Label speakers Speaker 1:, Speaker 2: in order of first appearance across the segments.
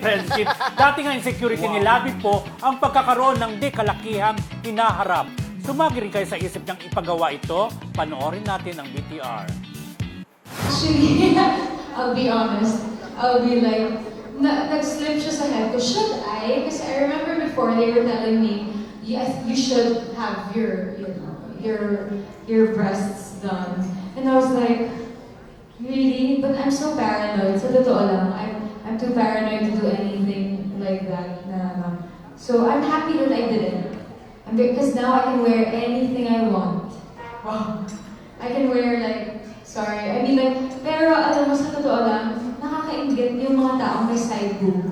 Speaker 1: friendship. Dati nga insecurity ni Labi po ang pagkakaroon ng di kalakihang hinaharap. Sumagi rin kayo sa isip niyang ipagawa ito. Panoorin natin ang BTR.
Speaker 2: Actually, I'll be honest. I'll be like, nag-slip siya sa head ko. Should I? Kasi I remember before they were telling me, yes, you should have your, you know, your breasts done. And I was like, really? But I'm so paranoid. Sa totoo lang, I'm too paranoid to do anything like that. So I'm happy that I didn't. Because now I can wear anything I want. Wow. I can wear like, sorry, I mean like, pero alam mo sa totoo lang, nakakaingit yung mga taong may side boob.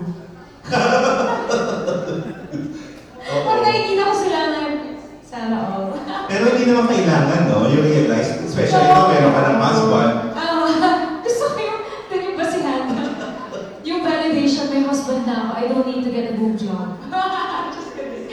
Speaker 2: Pag nakikita ko sila na, sana all.
Speaker 3: Pero hindi naman kailangan, no? You realize, especially kung meron ka ng husband.
Speaker 2: Gusto ko yung basihan. Yung validation, may husband na ako, I don't need to get a boob job. Just kidding.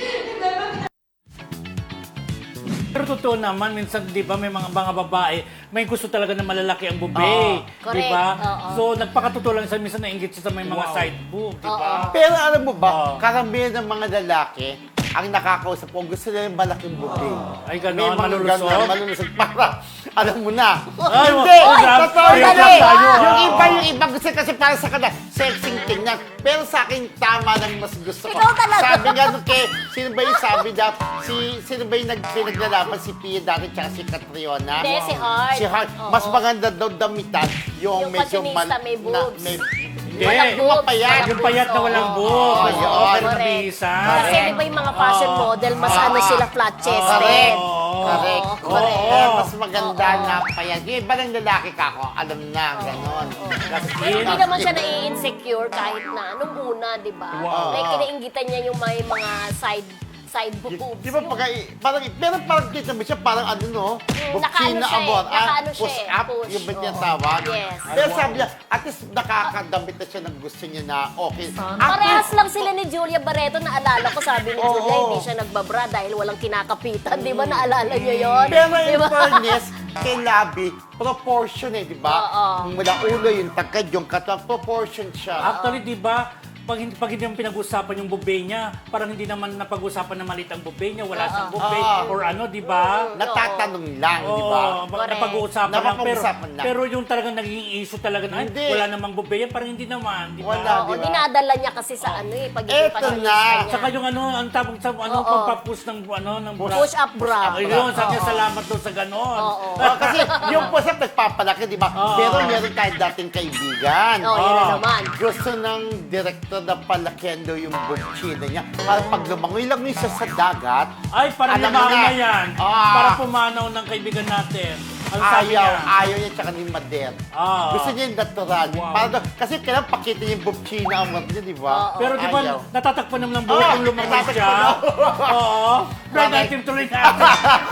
Speaker 1: Pero totoo naman, minsan, di ba, may mga babae, may gusto talaga na malalaki ang bube.
Speaker 4: Correct.
Speaker 1: Di ba?
Speaker 4: Oo.
Speaker 1: So, nagpakatotoo lang siya, minsan nainggit siya sa may mga side boob, di ba?
Speaker 5: Pero alam mo ba,
Speaker 1: Oo.
Speaker 5: karamihan ng mga lalaki, ang nakakausap ko, gusto nila yung malaking buti.
Speaker 1: Ay, ganon,
Speaker 5: May mga
Speaker 1: malulusog?
Speaker 5: ganon, malulusog. Para, alam mo na.
Speaker 1: Ay,
Speaker 5: Hindi!
Speaker 1: wag- wag-
Speaker 5: Totoo
Speaker 1: wag-
Speaker 5: yan
Speaker 1: wag-
Speaker 5: eh.
Speaker 1: tayo,
Speaker 5: Yung iba gusto kasi para sa kanila, sexing tingnan. Pero sa akin, tama lang mas gusto ko.
Speaker 4: Ikaw talaga.
Speaker 5: Sabi nga nung kay, sino ba yung sabi na, sino ba yung pinaglalaban, si Pia dati tsaka si Catriona?
Speaker 4: Hindi, si Hart.
Speaker 5: Si Hart.
Speaker 4: Oo.
Speaker 5: Mas maganda daw damitan yung
Speaker 4: Yung
Speaker 5: medyo
Speaker 4: fashionista, may boobs.
Speaker 1: Hindi.
Speaker 4: Walang
Speaker 5: Yung
Speaker 4: boobs.
Speaker 5: mapayat.
Speaker 4: walang
Speaker 1: Yung payat na
Speaker 4: boobs,
Speaker 1: walang
Speaker 4: oo.
Speaker 1: boobs.
Speaker 5: Oo,
Speaker 1: Oo, pero
Speaker 4: correct.
Speaker 1: nabihisan.
Speaker 4: Kasi di ba yung mga fashion model, mas ano sila, flat chested.
Speaker 5: Correct.
Speaker 1: Oo.
Speaker 5: Correct.
Speaker 4: Oo, correct.
Speaker 5: Kaya mas maganda
Speaker 4: Oo.
Speaker 5: na payag. Yung iba ng lalaki ka ako, alam na, gano'n.
Speaker 4: Pero hindi naman siya nai-insecure kahit na nung una, di ba?
Speaker 1: Wow.
Speaker 4: May kinainggitan niya yung may mga side boobs.
Speaker 5: Di ba pero parang kita mo siya, parang ano no?
Speaker 4: nakaano
Speaker 5: Buksina
Speaker 4: siya eh,
Speaker 5: abot.
Speaker 4: nakaano siya
Speaker 5: Push
Speaker 4: eh,
Speaker 5: up,
Speaker 4: push.
Speaker 5: yung ba niya
Speaker 4: Oo.
Speaker 5: tawag?
Speaker 4: Yes.
Speaker 5: Pero sabi niya, at least nakakadamit na siya ng gusto niya na okay.
Speaker 4: Parehas lang sila ni Julia Barreto. Naalala ko, sabi ni
Speaker 5: Oo.
Speaker 4: Julia, hindi siya nagbabra dahil walang kinakapitan. Di ba? Naalala niyo yun?
Speaker 5: Pero
Speaker 4: Di
Speaker 5: in
Speaker 4: ba?
Speaker 5: fairness, kay Labi, proportion eh, di ba?
Speaker 4: Oo.
Speaker 5: Mula ulo, yung tagkad, yung katawan, proportion siya.
Speaker 1: Actually, di ba, pag hindi naman pinag-usapan yung bube niya, parang hindi naman napag-usapan na maliit ang bube niya, wala siyang bube, or ano, di ba?
Speaker 5: Natatanong lang, di ba?
Speaker 4: Correct.
Speaker 1: Napag-uusapan lang.
Speaker 5: Napapag-usapan lang.
Speaker 1: Pero yung talagang naging issue talaga na, ay,
Speaker 5: Hindi.
Speaker 1: wala namang bube yan, parang hindi naman, di ba?
Speaker 5: Wala,
Speaker 4: Oo,
Speaker 5: di ba?
Speaker 4: dinadala niya kasi sa ano eh, pagiging
Speaker 5: Eto
Speaker 4: fashionista
Speaker 5: na.
Speaker 4: niya.
Speaker 1: Saka yung ano, ang tawag sa ano,
Speaker 4: Oo.
Speaker 1: pagpapush ng bra.
Speaker 4: Push up bra.
Speaker 1: Ayun, sabi niya,
Speaker 4: Oo.
Speaker 1: salamat daw sa ganon.
Speaker 4: Oo.
Speaker 5: Kasi yung push-up nagpapalaki, di ba?
Speaker 1: Oo.
Speaker 5: Pero meron tayo dating kaibigan.
Speaker 4: Oo, yun na naman.
Speaker 5: Gusto ng director na palakihan daw yung bukchina niya. Para pag lumangoy lang yun siya sa dagat,
Speaker 1: Ay, parang
Speaker 5: alam mo
Speaker 1: lumaon na yan.
Speaker 5: Ah.
Speaker 1: Para pumanaw ng kaibigan natin. Ano sabi niya?
Speaker 5: ayaw niya tsaka ni Mader.
Speaker 1: Ah.
Speaker 5: Gusto niya yung natural.
Speaker 1: Wow.
Speaker 5: Para daw, kasi kailangan pakita niya yung bukchina ang mga niya, di ba?
Speaker 4: Oo.
Speaker 1: Pero di ba,
Speaker 5: Ayaw.
Speaker 1: natatakpan naman ng buhay kung lumangoy siya?
Speaker 5: natatakpan
Speaker 1: Oo. Try
Speaker 5: Correct.
Speaker 1: natin tuloy natin.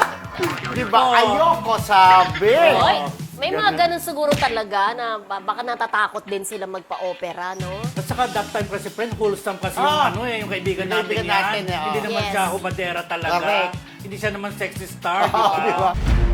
Speaker 5: Di ba?
Speaker 1: Oo.
Speaker 5: Ayoko, sabi.
Speaker 4: Oy, may mga ganun siguro talaga na baka natatakot din sila magpa-opera, no?
Speaker 1: At saka that time kasi friend, wholesome kasi yung
Speaker 5: Ah.
Speaker 1: ano yung kaibigan
Speaker 5: Yung
Speaker 1: natin
Speaker 5: kaibigan
Speaker 1: yan.
Speaker 5: natin, eh, oh.
Speaker 1: Hindi naman
Speaker 4: Yes.
Speaker 1: siya hubadera talaga.
Speaker 5: Correct.
Speaker 1: Hindi siya naman sexy star,
Speaker 5: Oo, di ba?